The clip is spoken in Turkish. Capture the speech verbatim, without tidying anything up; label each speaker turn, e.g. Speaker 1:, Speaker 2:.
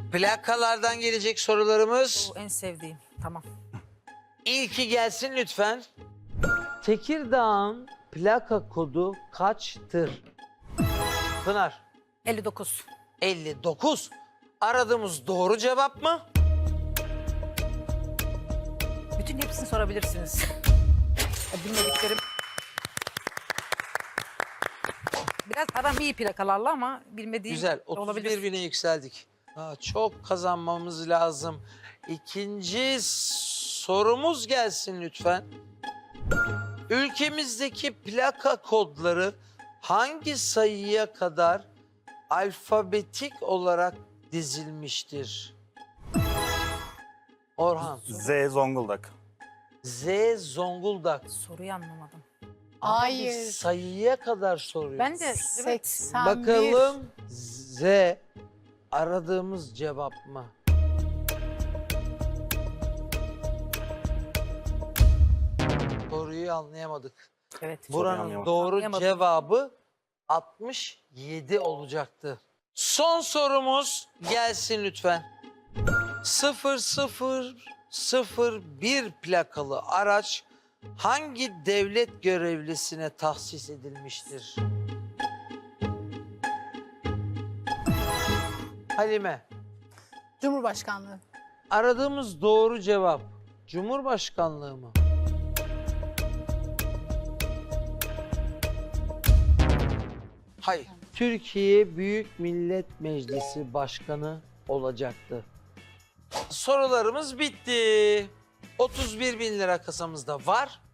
Speaker 1: Plakalardan gelecek sorularımız.
Speaker 2: Bu en sevdiğim. Tamam.
Speaker 1: İlki gelsin lütfen. Tekirdağ'ın plaka kodu kaçtır? Pınar.
Speaker 2: elli dokuz.
Speaker 1: elli dokuz. Aradığımız doğru cevap mı?
Speaker 2: Bütün hepsini sorabilirsiniz. Bilmediklerim. Biraz aram iyi plakalarla ama bilmediğim
Speaker 1: Güzel. otuz
Speaker 2: olabilir.
Speaker 1: bir bine yükseldik. Aa, çok kazanmamız lazım. İkinci sorumuz gelsin lütfen. Ülkemizdeki plaka kodları hangi sayıya kadar alfabetik olarak dizilmiştir? Orhan.
Speaker 3: Z Zonguldak.
Speaker 1: Z Zonguldak.
Speaker 2: Soruyu anlamadım.
Speaker 1: Ama
Speaker 4: Hayır.
Speaker 1: biz sayıya kadar soruyoruz.
Speaker 2: Ben de evet,
Speaker 4: seksen bir.
Speaker 1: Bakalım Z aradığımız cevap mı? Soruyu anlayamadık.
Speaker 2: evet.
Speaker 1: Buranın
Speaker 3: anlayamadım.
Speaker 1: doğru
Speaker 2: Anlayamadım.
Speaker 1: cevabı altmış yedi olacaktı. Son sorumuz gelsin lütfen. sıfır sıfır sıfır bir plakalı araç hangi devlet görevlisine tahsis edilmiştir? Halime,
Speaker 4: Cumhurbaşkanlığı.
Speaker 1: aradığımız doğru cevap Cumhurbaşkanlığı mı? Hayır. Türkiye Büyük Millet Meclisi Başkanı olacaktı. Sorularımız bitti. otuz bir bin lira kasamızda var.